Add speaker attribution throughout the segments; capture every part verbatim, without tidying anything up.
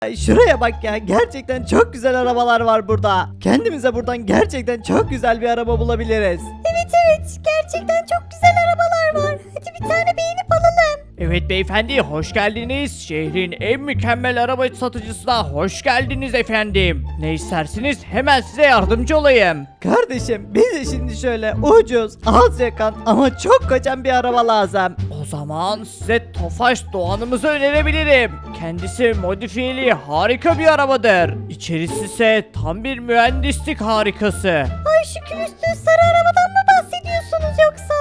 Speaker 1: Ay, şuraya bak ya, gerçekten çok güzel arabalar var burada. Kendimize buradan gerçekten çok güzel bir araba bulabiliriz.
Speaker 2: Evet evet gerçekten çok güzel arabalar var. Hadi bir tane beğenip alalım.
Speaker 3: Evet beyefendi hoş geldiniz. Şehrin en mükemmel araba satıcısına hoş geldiniz efendim. Ne istersiniz hemen size yardımcı olayım.
Speaker 1: Kardeşim bize şimdi şöyle ucuz, az yakan ama çok kaçan bir araba lazım.
Speaker 3: O zaman size Tofaş Doğan'ımızı önerebilirim. Kendisi modifiyeli harika bir arabadır. İçerisi ise tam bir mühendislik harikası.
Speaker 2: Ay şu külüstü sarı arabadan mı bahsediyorsunuz yoksa?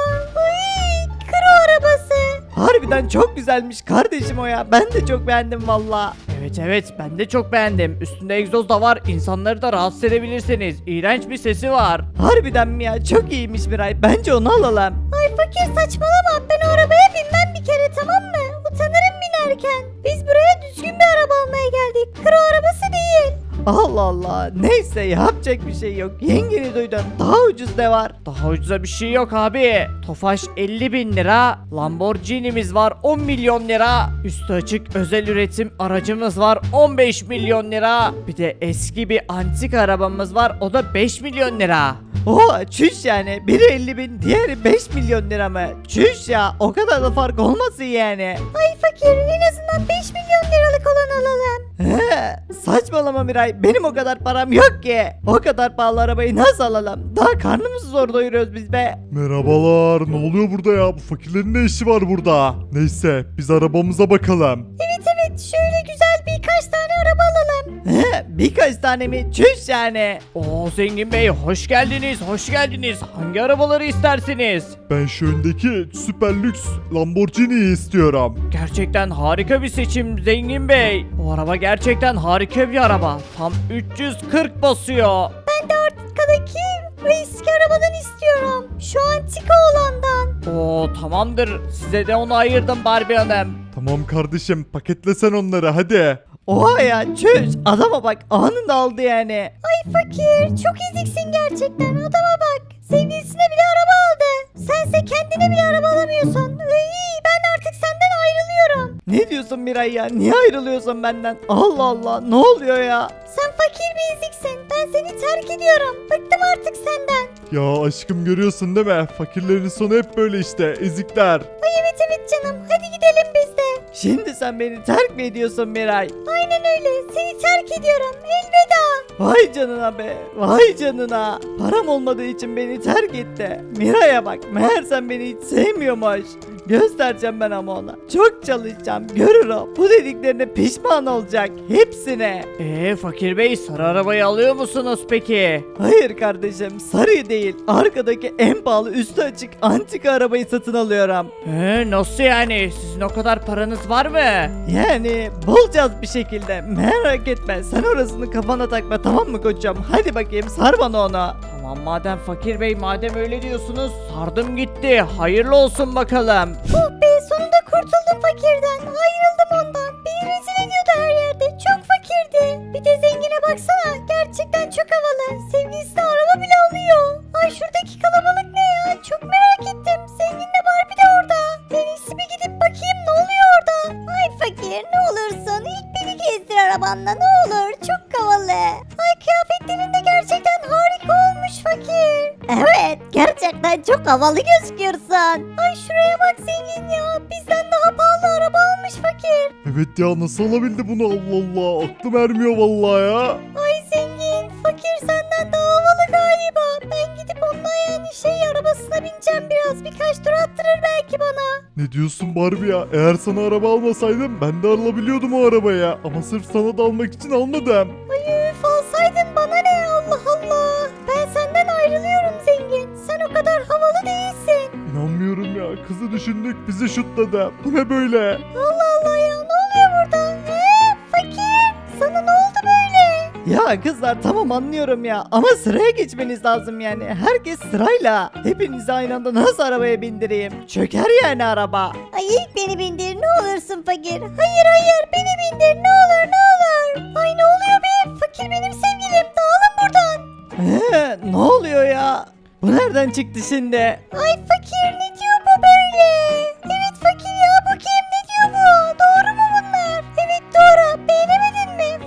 Speaker 2: Ay kro arabası.
Speaker 1: Harbiden çok güzelmiş kardeşim o ya. Ben de çok beğendim valla.
Speaker 3: Evet evet ben de çok beğendim. Üstünde egzoz da var. İnsanları da rahatsız edebilirsiniz. İğrenç bir sesi var.
Speaker 1: Harbiden mi ya? Çok iyiymiş Miray. Bence onu alalım.
Speaker 2: Ay fakir saçmalama. Ben o arabaya binmem bir kere tamam mı? Utanırım binerken. Biz buraya düzgün bir araba almaya geldik. Kro arabası değil.
Speaker 1: Allah Allah. Neyse yapacak bir şey yok. Yengeni duydun. Daha ucuz de var.
Speaker 3: Daha ucuza bir şey yok abi. Tofaş elli bin lira. Lamborghini'miz var on milyon lira. Üstü açık özel üretim aracımız var on beş milyon lira. Bir de eski bir antik arabamız var o da beş milyon lira.
Speaker 1: Oha çüş yani. Biri elli bin, diğeri beş milyon lira mı? Çüş ya. O kadar da fark olmasın yani.
Speaker 2: Ay fakir en azından beş milyon liralık olan alalım.
Speaker 1: He, saçmalama Miray. Benim o kadar param yok ki. O kadar pahalı arabayı nasıl alalım? Daha karnımızı zor doyuruyoruz biz be.
Speaker 4: Merhabalar, ne oluyor burada ya? Bu fakirlerin ne işi var burada? Neyse, biz arabamıza bakalım.
Speaker 2: Evet evet şöyle güzel birkaç tane araba alalım.
Speaker 1: He, birkaç tane mi? Çüş yani.
Speaker 3: Oo Zengin Bey hoş geldiniz hoş geldiniz. Hangi arabaları istersiniz?
Speaker 4: Ben şu öndeki süper lüks Lamborghini'yi istiyorum.
Speaker 3: Gerçekten harika bir seçim Zengin Bey. O araba gerçekten harika bir araba. Tam üç yüz kırk basıyor.
Speaker 2: Ben de arkadaki o eski arabadan istiyorum. Şu antika olandan.
Speaker 3: Oo tamamdır. Size de onu ayırdım Barbie Hanım.
Speaker 4: Tamam kardeşim, paketlesen onları hadi.
Speaker 1: Oha ya çüş. Adama bak anında aldı yani.
Speaker 2: Ay fakir çok eziksin gerçekten adama bak. Sevgilisine bile araba aldı. Sense kendine bile araba alamıyorsun. Iy, ben artık senden ayrılıyorum.
Speaker 1: Ne diyorsun Miray ya? Niye ayrılıyorsun benden? Allah Allah ne oluyor ya?
Speaker 2: Sen fakir bir eziksin. Ben seni terk ediyorum. Bıktım artık senden.
Speaker 4: Ya aşkım görüyorsun değil mi? Fakirlerin sonu hep böyle işte, ezikler.
Speaker 2: Ay evet evet canım. Hadi gidelim biz de.
Speaker 1: Şimdi sen beni terk mi ediyorsun Miray?
Speaker 2: Aynen öyle. Seni terk ediyorum. Elveda.
Speaker 1: Vay canına be. Vay canına. Param olmadığı için beni terk etti. Miray'a bak. Meğer sen beni hiç sevmiyormuş. Göstereceğim ben ama ona. Çok çalışacağım. Görür o. Bu dediklerine pişman olacak. Hepsine.
Speaker 3: Eee Fakir Bey sarı arabayı alıyor musunuz peki?
Speaker 1: Hayır kardeşim. Sarı değil. Arkadaki en pahalı üstü açık antika arabayı satın alıyorum.
Speaker 3: Ee, nasıl yani? Sizin o kadar paranız var mı?
Speaker 1: Yani bulacağız bir şekilde. Merak etme. Sen orasını kafana takma tamam mı koçum? Hadi bakayım sar bana onu.
Speaker 3: Tamam madem Fakir Bey madem öyle diyorsunuz sardım gitti. Hayırlı olsun bakalım.
Speaker 2: Oh be sonunda kurtuldum fakirden. Ayrıldım ondan. Beni rezil ediyordu her yerde. Çok fakirdi. Bir de zengine baksana. Gerçekten çok havalı. Sevgilisine araba bile alıyor. Ay şuradaki kalabalık ne ya? Çok merak ettim. Zenginle Barbie de orada. En iyisi bir gidip bakayım ne oluyor orada. Ay fakir ne olursun. İlk beni gezdir arabanla ne olur. Çok havalı. Ay kıyafetlerin de gerçekten harika olmuş fakir. Evet gerçekten çok havalı gözüküyorsun. Ay şuraya bak zengin ya. Bizden daha pahalı araba almış fakir.
Speaker 4: Evet ya, nasıl alabildi bunu? Allah Allah, aklım ermiyor vallahi ya.
Speaker 2: Ay zengin fakir senden daha havalı galiba. Ben gidip onunla yani şey arabasına bineceğim biraz. Birkaç tur attırır belki bana.
Speaker 4: Ne diyorsun Barbie ya? Eğer sana araba almasaydım ben de alabiliyordum o arabaya. Ama sırf sana da almak için almadım.
Speaker 2: Ay üf alsaydın bana ne Allah Allah. Ben senden ayrılıyorum zengin. Sen o kadar havalı değilsin.
Speaker 4: İnanmıyorum ya, kızı düşündük bizi şutladı. Bu ne böyle?
Speaker 2: Allah Allah ya ne oluyor burada? He fakir sana ne oldu böyle?
Speaker 1: Ya kızlar tamam anlıyorum ya ama sıraya geçmeniz lazım yani. Herkes sırayla. Hepinizi aynı anda nasıl arabaya bindireyim? Çöker yani araba.
Speaker 2: Ay ilk beni bindir ne olursun fakir. Hayır hayır beni bindir ne olur ne olur. Ay ne oluyor be? Fakir benim sevgilim dağılın buradan.
Speaker 1: Ee, ne oluyor ya? Bu nereden çıktı şimdi?
Speaker 2: Ay fakir ne diyor bu böyle? Evet fakir ya bu kim ne diyor bu? Doğru mu bunlar? Evet doğru beğenemedin mi?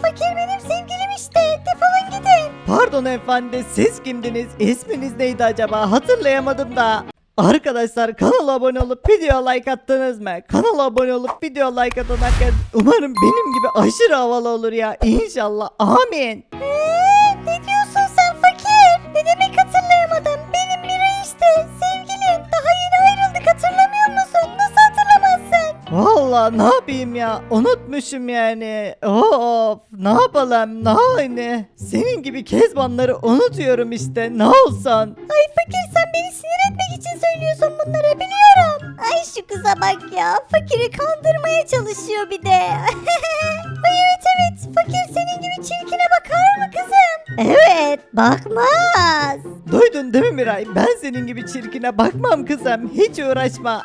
Speaker 1: Pardon efendi, siz kimdiniz? İsminiz neydi acaba? Hatırlayamadım da. Arkadaşlar kanala abone olup video like attınız mı? Kanala abone olup video like atan herkes umarım benim gibi aşırı havalı olur ya. İnşallah. Amin.
Speaker 2: Eee, ne diyorsun sen fakir? Ne demek hatırlayamadım? Benim Mira işte sevgilim. Daha yeni ayrıldık, hatırlamıyor musun? Nasıl hatırlamazsın?
Speaker 1: Vallahi ne yapayım ya? Unutmuşum yani. Of, ne yapalım? Ne hani? Senin gibi kezbanları unutuyorum işte. Ne olsan?
Speaker 2: Ay fakir, sen beni sinir etmek için söylüyorsun bunları, biliyorum. Ay şu kıza bak ya. Fakiri kandırmaya çalışıyor bir de. Ay evet evet. Fakir senin gibi çirkine bakar mı kızım? Evet, bakmaz.
Speaker 1: Duydun değil mi Miray? Ben senin gibi çirkine bakmam kızım. Hiç uğraşma.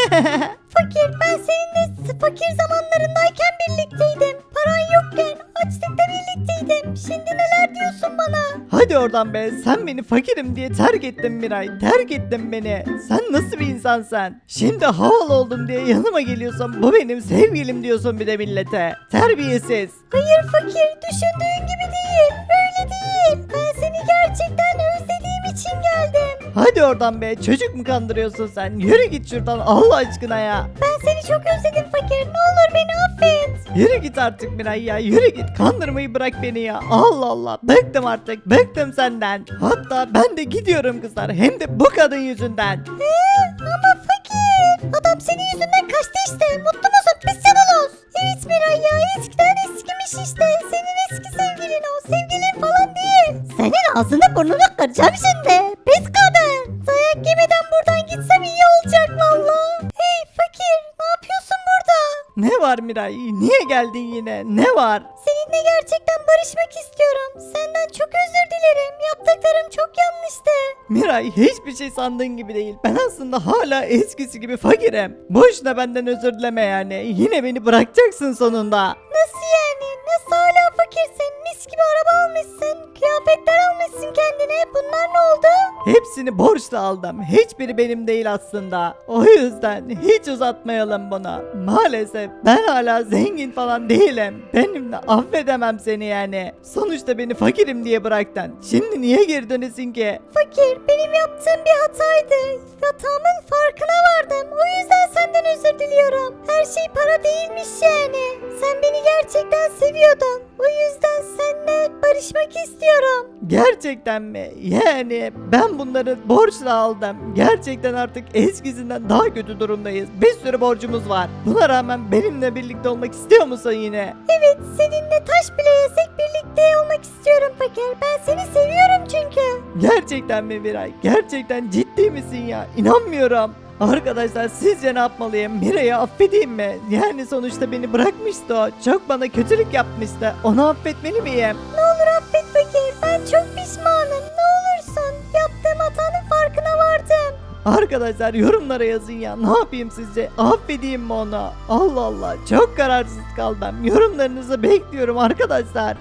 Speaker 2: Fakir, ben seninle fakir zamanlarındayken birlikteydim. Paran yokken açlıkta birlikteydim. Şimdi neler diyorsun bana?
Speaker 1: Hadi oradan be. Sen beni fakirim diye terk ettin Miray. Terk ettin beni. Sen nasıl bir insansın? Şimdi havalı oldum diye yanıma geliyorsun. Bu benim sevgilim diyorsun bir de millete. Terbiyesiz.
Speaker 2: Hayır fakir, düşündüğün gibi değil. Öyle değil. Ben seni gerçekten özlediğim için geldim.
Speaker 1: Hadi oradan be. Çocuk mu kandırıyorsun sen? Yürü git şuradan Allah aşkına ya.
Speaker 2: Ben seni çok özledim fakir. Ne olur beni affet.
Speaker 1: Yürü git artık Miray ya. Yürü git. Kandırmayı bırak beni ya. Allah Allah. Bıktım artık. Bıktım senden. Hatta ben de gidiyorum kızlar. Hem de bu kadın yüzünden.
Speaker 2: Ee, ama fakir. Adam senin yüzünden kaçtı işte. Mutlu musun? Pis canalos. Evet Miray ya. Eskiden eskimiş işte. Senin eski sevgilin o. Sevgilin falan değil. Senin ağzını burnunu kıracağım şimdi. Pis kadın. Dayak yemeden buradan gitsem iyi olacak valla. Hey fakir. Ne yapıyorsun burada?
Speaker 1: Ne var Miray? Niye geldin yine? Ne var?
Speaker 2: Seninle gerçekten barışmak istiyorum. Senden çok özür dilerim. Yaptıklarım çok yanlıştı.
Speaker 1: Miray hiçbir şey sandığın gibi değil. Ben aslında hala eskisi gibi fakirim. Boşuna benden özür dileme yani. Yine beni bırakacaksın sonunda.
Speaker 2: Nasıl yani? Nasıl hala fakirsin? Mis gibi araba almışsın. Kıyafetler almışsın kendine. Bunlar ne oldu?
Speaker 1: Hepsini borçla aldım. Hiçbiri benim değil aslında. O yüzden hiç uzatmayalım bunu. Maalesef ben hala zengin falan değilim. Benimle affedemem seni yani. Sonuçta beni fakirim diye bıraktın. Şimdi niye geri dönesin ki?
Speaker 2: Fakir, benim yaptığım bir hataydı. Hatamın farkına vardım. O yüzden senden özür diliyorum. Her şey para değilmiş yani. Sen beni gerçekten seviyordun. O yüzden seninle barışmak istiyorum.
Speaker 1: Gerçekten mi? Yani ben bunları borçla aldım. Gerçekten artık eskisinden daha kötü durumdayız. Bir sürü borcumuz var. Buna rağmen benimle birlikte olmak istiyor musun yine?
Speaker 2: Evet, seninle taş bile yesek birlikte olmak istiyorum fakir. Ben seni seviyorum çünkü.
Speaker 1: Gerçekten mi Miray? Gerçekten ciddi misin ya? İnanmıyorum. Arkadaşlar sizce ne yapmalıyım? Miray'ı affedeyim mi? Yani sonuçta beni bırakmıştı o. Çok bana kötülük yapmıştı. Onu affetmeli miyim?
Speaker 2: Ne olur affet fakir. Ben çok pişmanım. Ne olursun. Yaptığım hatanın farkına vardım.
Speaker 1: Arkadaşlar yorumlara yazın ya. Ne yapayım sizce? Affedeyim mi onu? Allah Allah. Çok kararsız kaldım. Yorumlarınızı bekliyorum arkadaşlar.